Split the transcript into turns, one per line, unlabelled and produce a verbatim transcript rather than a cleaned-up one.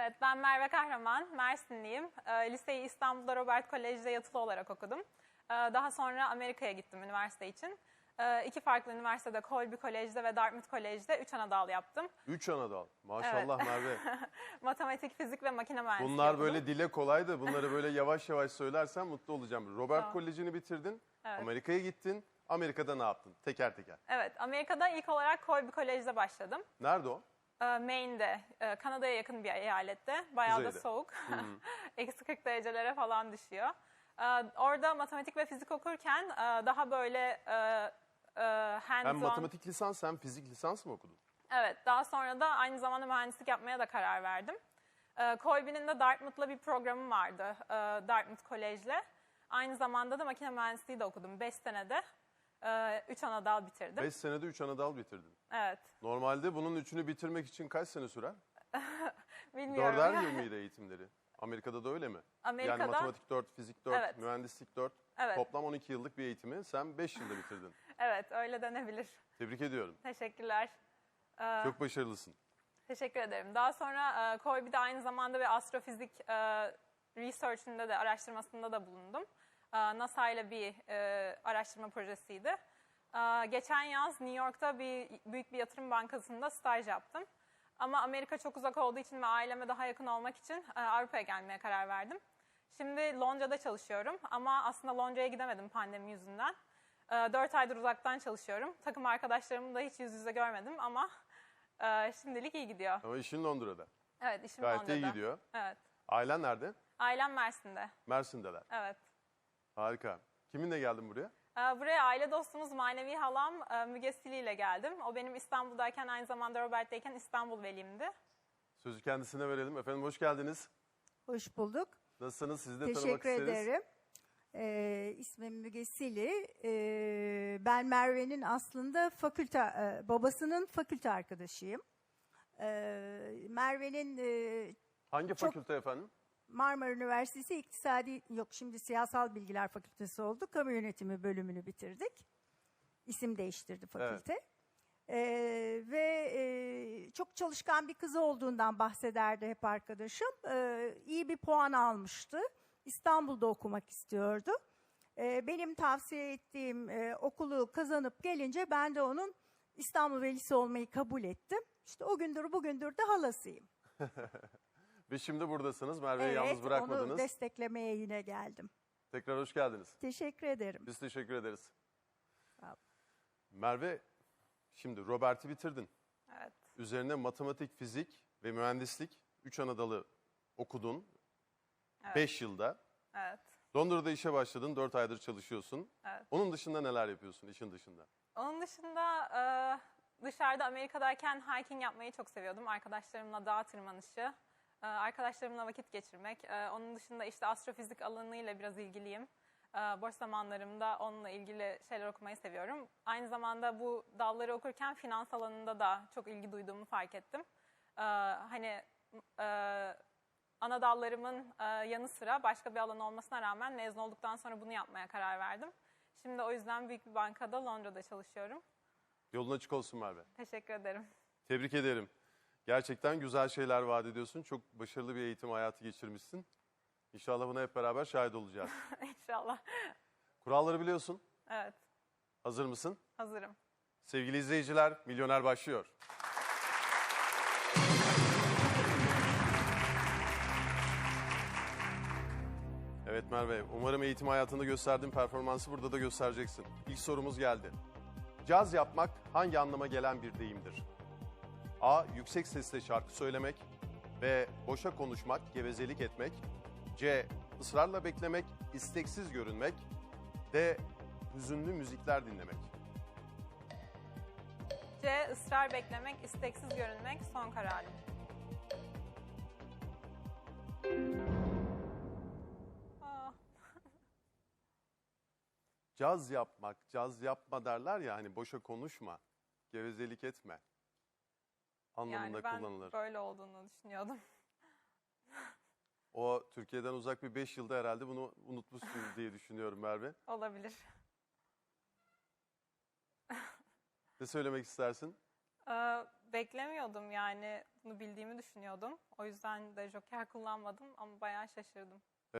Evet, ben Merve Kahraman, Mersinliyim. E, liseyi İstanbul'da Robert Kolej'de yatılı olarak okudum. E, daha sonra Amerika'ya gittim üniversite için. E, iki farklı üniversitede, Colby Kolej'de ve Dartmouth Kolej'de üç ana dal yaptım.
Üç ana dal. Maşallah
Evet.
Merve.
Matematik, fizik ve makine mühendisliği
Bunlar
okudum.
böyle dile kolay da bunları böyle yavaş yavaş söylersen mutlu olacağım. Robert
Tamam.
Koleji'ni bitirdin.
Evet.
Amerika'ya gittin. Amerika'da ne yaptın? Teker teker.
Evet, Amerika'da ilk olarak Colby Kolej'de başladım.
Nerede o?
E, Maine'de, e, Kanada'ya yakın bir eyalette. Bayağı da
Kuzeyde.
soğuk. Eksi kırk derecelere falan düşüyor. E, orada matematik ve fizik okurken e, daha böyle e, e, hands-on...
Hem matematik lisans hem fizik lisans mı okudun?
Evet, daha sonra da aynı zamanda mühendislik yapmaya da karar verdim. E, Colby'nin de Dartmouth'la bir programı vardı, e, Dartmouth Kolej'le. Aynı zamanda da makine mühendisliği de okudum. Beş senede e, üç ana dal bitirdim.
Beş senede üç ana dal bitirdin.
Evet,
Normalde bunun üçünü bitirmek için kaç sene sürer?
bilmiyorum.
Dörder yıl mıydı eğitimleri? Amerika'da da öyle mi?
Amerika'da-
Yani matematik dört, fizik dört,
Evet.
mühendislik dört.
Evet.
Toplam on iki yıllık bir eğitimi sen beş yılda bitirdin.
Evet, öyle denebilir.
Tebrik ediyorum.
Teşekkürler. E,
Çok başarılısın.
Teşekkür ederim. Daha sonra e, Colby'de aynı zamanda bir astrofizik e, research'ünde de, araştırmasında da bulundum. E, NASA ile bir e, araştırma projesiydi. E, geçen yaz New York'ta bir büyük bir yatırım bankasında staj yaptım. Ama Amerika çok uzak olduğu için ve aileme daha yakın olmak için e, Avrupa'ya gelmeye karar verdim. Şimdi Londra'da çalışıyorum ama aslında Londra'ya gidemedim pandemi yüzünden. E, dört aydır uzaktan çalışıyorum. Takım arkadaşlarımı da hiç yüz yüze görmedim ama e, şimdilik iyi gidiyor.
Ama işin Londra'da.
Evet, işim
Gayet de
Londra'da.
iyi gidiyor.
Evet.
Ailen nerede?
Ailem Mersin'de.
Mersin'deler.
Evet.
Harika. Kiminle geldin buraya?
Ee, Buraya aile dostumuz, manevi halam e, Müge Sili ile geldim. O benim İstanbul'dayken, aynı zamanda Robert'teyken İstanbul velimdi.
Sözü kendisine verelim. Efendim hoş geldiniz.
Hoş bulduk.
Nasılsınız? Sizi de tanımak
Teşekkür
isteriz.
ederim. Ee, ismim Müge Sili. Ee, ben Merve'nin aslında fakülte, e, babasının fakülte arkadaşıyım. Ee, Merve'nin e,
Hangi
Çok-
fakülte efendim?
Marmara Üniversitesi İktisadi, yok şimdi Siyasal Bilgiler Fakültesi oldu. Kamu Yönetimi bölümünü bitirdik. İsim değiştirdi fakülte. Ee, ve e, çok çalışkan bir kızı olduğundan bahsederdi hep arkadaşım. Ee, iyi bir puan almıştı. İstanbul'da okumak istiyordu. Ee, benim tavsiye ettiğim e, okulu kazanıp gelince ben de onun İstanbul velisi olmayı kabul ettim. İşte o gündür bugündür de halasıyım.
Ve şimdi buradasınız. Merve'yi
Evet,
yalnız bırakmadınız.
onu desteklemeye yine geldim.
Tekrar hoş geldiniz.
Teşekkür ederim.
Biz teşekkür ederiz.
Sağ olun.
Merve, şimdi Robert'i bitirdin.
Evet.
Üzerine matematik, fizik ve mühendislik üç ana dalı okudun.
Evet.
beş yılda.
Evet.
Londra'da işe başladın. dört aydır çalışıyorsun.
Evet.
Onun dışında neler yapıyorsun işin dışında?
Onun dışında e, dışarıda Amerika'dayken hiking yapmayı çok seviyordum. Arkadaşlarımla dağ tırmanışı, e, arkadaşlarımla vakit geçirmek. E, onun dışında işte astrofizik alanıyla biraz ilgiliyim. E, boş zamanlarımda onunla ilgili şeyler okumayı seviyorum. Aynı zamanda bu dalları okurken finans alanında da çok ilgi duyduğumu fark ettim. E, hani e, ana dallarımın e, yanı sıra başka bir alan olmasına rağmen mezun olduktan sonra bunu yapmaya karar verdim. Şimdi o yüzden büyük bir bankada Londra'da çalışıyorum.
Yolun açık olsun Merve.
Teşekkür ederim.
Tebrik ederim. Gerçekten güzel şeyler vaat ediyorsun. Çok başarılı bir eğitim hayatı geçirmişsin. İnşallah buna hep beraber şahit olacağız.
İnşallah.
Kuralları biliyorsun.
Evet,
Hazır mısın?
hazırım.
Sevgili izleyiciler, Milyoner başlıyor. Evet Merve, umarım eğitim hayatında gösterdiğin performansı burada da göstereceksin. İlk sorumuz geldi. Caz yapmak hangi anlama gelen bir deyimdir? A. Yüksek sesle şarkı söylemek. B. Boşa konuşmak, gevezelik etmek. C. Israrla beklemek, isteksiz görünmek. D. Hüzünlü müzikler dinlemek.
C. ısrar beklemek, isteksiz görünmek son kararım. Aa,
Caz yapmak, caz yapma derler ya hani boşa konuşma, gevezelik etme anlamında
yani ben
kullanılır.
böyle olduğunu düşünüyordum.
O Türkiye'den uzak bir beş yılda herhalde bunu unutmuşsun diye düşünüyorum Merve.
Olabilir.
Ne söylemek istersin?
Ee, beklemiyordum yani. Bunu bildiğimi düşünüyordum. O yüzden de Joker kullanmadım ama bayağı şaşırdım.